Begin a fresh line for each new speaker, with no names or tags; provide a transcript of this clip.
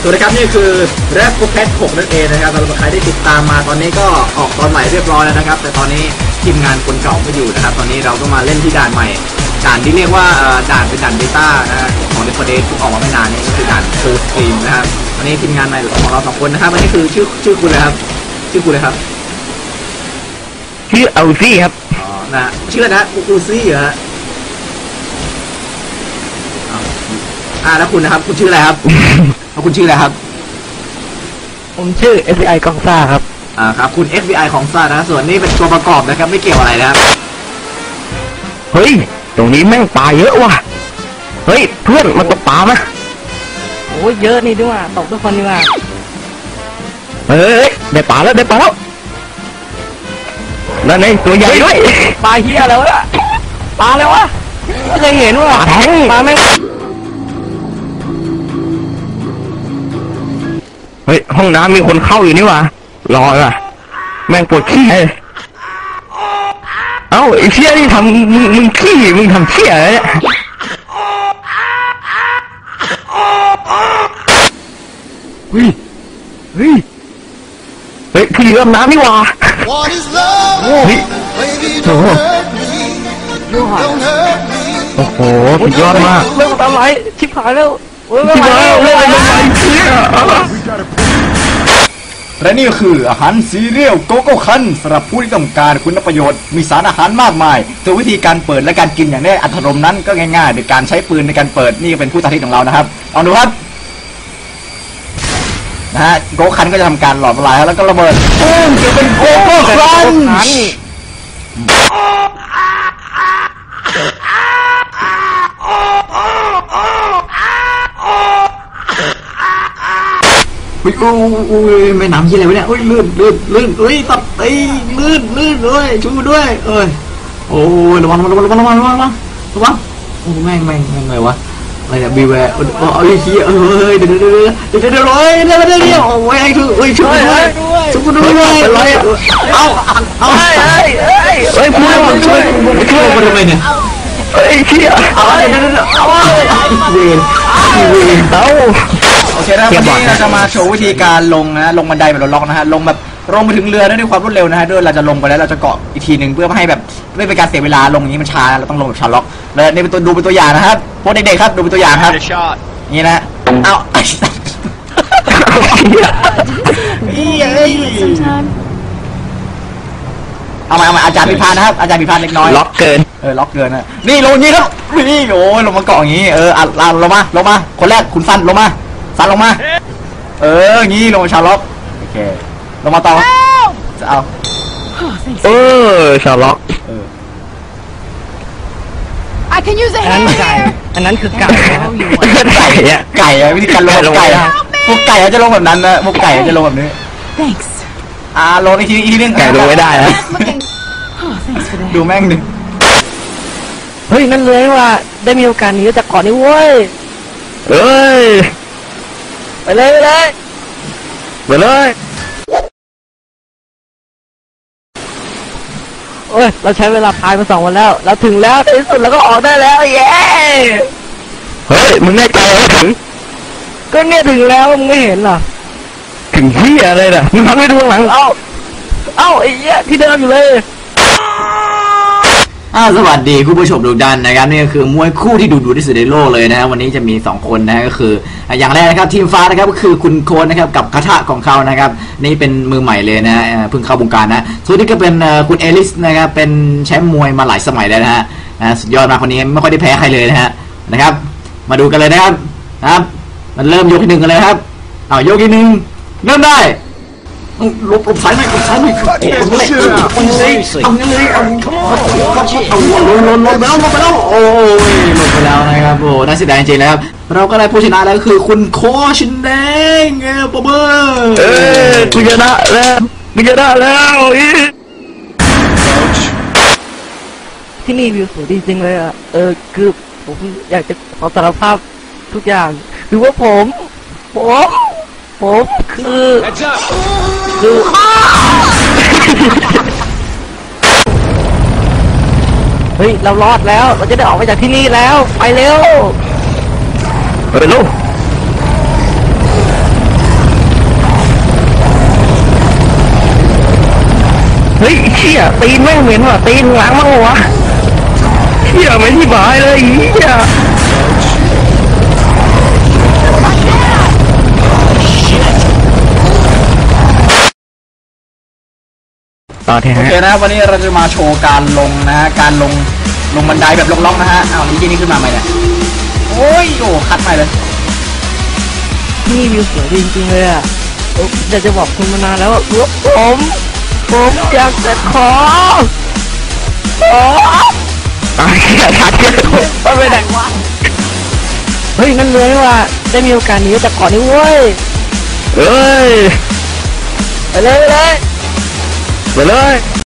สวัสดีครับนี่คือแรปโปรแคท6นั่นเองนะครับสำหรับใครที่ติดตามมาตอนนี้ก็ออกตอนใหม่เรียบร้อยแล้วนะครับแต่ตอนนี้ทีมงานคนเก่าไม่อยู่นะครับตอนนี้เราก็มาเล่นที่ด่านใหม่ด่านที่เรียกว่าด่านเป็นด่านเบต้านะของเดฟเฟอร์เดสที่ออกมาไม่นานนี้ก็คือด่านฟูลสตรีมนะครับตอนนี้ทีมงานใหม่ของเรา2คนนะครับอันนี้คือชื่อคุณเลยครับชื่อคุณเลยครับ
ชื่ออูซี่ครับ
อ๋อนะชื่อนะอูซี่เหรอฮะแล้วคุณนะครับคุณชื่ออะไรครับคุณชื่ออะไรครับ
ผมชื่อ FBI กองซ่าครับ
ครับคุณ FBI ของซ่านะส่วนนี้เป็นตัวประกอบนะครับไม่เกี่ยวอะไรนะครับ
เฮ้ยตรงนี้แม่งปลาเยอะว่ะเฮ้ยเพื่อนมาตกปลาไหม
โอ้ยเยอะนี่ด้วยตกทุกคนดีกว่า
เฮ้ยได้ปลาแล้วนั่นเองตัวใหญ่ด้วย
ปลาเฮียแล้วะปลาแล้ววะไม่เคยเห็นว่ะปลาแม่ง
เฮ้ยห้องน้ำมีคนเข้าอยู่นี่วะรออ่ะแม่งปวดขี้เอ้าไอ้เชี่ยนี่ทำมึงขี้มึงทำเชี่ยอะไรเนี่ยเฮ้ยพี่เริ่มน้ำนี่วะเฮ้ยโอ้โหสุดยอดมาก
เริ่มทำไรชิบหายแล้ว
ชิบหายแล้วเชี่ย
และนี่คืออาหารซีเรียลโกโก้คันสำหรับผู้ที่ต้องการคุณประโยชน์มีสารอาหารมากมายตัววิธีการเปิดและการกินอย่างได้อัตรมนั้นก็ง่ายๆโดยการใช้ปืนในการเปิดนี่เป็นผู้สาธิตของเรานะครับลองดูครับนะฮะโกโก้คันก็จะทำการหลอมละลายแล้วก็ระเบิดจะเป็นโกโก้คันอุ้ยไม่น้ำยี่อะไรวะเนี่ยอุ้ยลื่นอุ้ยตับลื่นเลยช่วยด้วยโอ้ยระวังโอ้แม่งไงวะอะไรเนี่ยบีแวร์เอาอีกทีเดี๋ยวโอ้ยไอ้คือช่วยด้วยเอาพูดมันช่วยมันทำไมเนี่ย
เชี่ย
เอาเดี๋ยวเวนโอเคนะวันนี้เราจะมาโชว์วิธีการลงนะลงบันไดแบบล็อกนะฮะลงแบบลงไปถึงเรือด้วยความรวดเร็วนะฮะด้วยเราจะลงไปแล้วเราจะเกาะอีกทีหนึ่งเพื่อไม่ให้แบบไม่เป็นการเสียเวลาลงอย่างนี้มันช้าเราต้องลงแบบชาล็อกแล้วนี่เป็นตัวดูเป็นตัวอย่างนะครับพวกเด็กๆครับดูเป็นตัวอย่างครับนี่นะเอามาอาจารย์พิพานนะครับอาจารย์พิพานเล็กน้อย
ล็อกเกิน
ล็อกเกินนะนี่ลงนี้ครับนี่โอ้ยลงมาเกาะอย่างนี้ลงมาคนแรกคุณสั้นลงมางี้ลงมาชาล็อกโอเคลงมาต่อจะเอา
ชาล็อก
อันนั้นคือไก่
ไก่วิธีการลงไก่พวกไก่จะลงแบบนั้นนะพวกไก่จะลงแบบนี้ลงอีกทีนึง
ไก่ลงไม่ได้นะ
ดูแม่งดิ
เฮ้ยนั่นเลยว่าได้มีโอกาสหนีจากเกาะนี้เว้ยไปเลยโอ้ยเราใช้เวลาพายมา2 วันแล้วเราถึงแล้วในที่สุดเราก็ออกได้แล้วเย้
เฮ้ยมึงแน่ใจว่าถึง
ก็เนี่ยถึงแล้วมึงไม่เห็นเหรอ
ถึงที่อะไรน่ะมึงทำให้ดูหลัง
เอ้าไอ้เหี้ยที่เดิมอยู่เลย
สวัสดีคุณผู้ชมทุกท่านนะครับนี่ก็คือมวยคู่ที่ดูที่สุดในโลกเลยนะวันนี้จะมี2 คนนะก็คืออย่างแรกนะครับทีมฟ้านะครับก็คือคุณโคนนะครับกับคาถะของเขานะครับนี่เป็นมือใหม่เลยนะเพิ่งเข้าวงการนะส่วนนี้ก็เป็นคุณเอลิสนะครับเป็นแชมป์มวยมาหลายสมัยแล้วนะฮะสุดยอดมากคนนี้ไม่ค่อยได้แพ้ใครเลยนะครับมาดูกันเลยนะครับมันเริ่มยกที่1กันเลยครับยกที่1เริ่มได้ลบสายไม่เอางั้นเลยเอาลงไปแล้วโอ้ยลงไปแล้วนะครับโอ้น่าเสียดายจริงๆแล้วครับเราก็ได้ผู้ชนะแล้วคือคุณโคชินแดงปอบ
กูชนะแล้ว
ที่นี่วิวสวยจริงๆเลยอ่ะคือผมอยากจะขอสารภาพทุกอย่างคือว่าผมคือเฮ้ยเรารอดแล้วเราจะได้ออกไปจากที่นี่แล้วไปเร็ว
ลูกเฮ้ยเชี่ยตีนแม่งเหม็นว่ะตีนล้างมั้งวะเชี่ยไม่ที่บายเลยเชี่ยต่อเถ
โอ
อะ
เค
ฮะ
นะครับวันนี้เราจะมาโชว์การลงนะฮะการลงบันไดแบบล็อกๆนะฮะอ้าวนี่ขึ้นมาใหม่เนี่ยโอ้ยโอ้คัดใหม่เลย
ที่นี่วิวสวยดีจริงๆเลยอ่ะอยากจะบอกคุณมานานแล้วว่าผมอยากจะขอ
ตายเชี่ยชัดเชี่ย
ไปไหนวะเฮ้ยนั่นเลยว่าได้มีโอกาสหนีจากเกาะนี้เว้ย
เอ้ย
ไปเลย
ไปเลย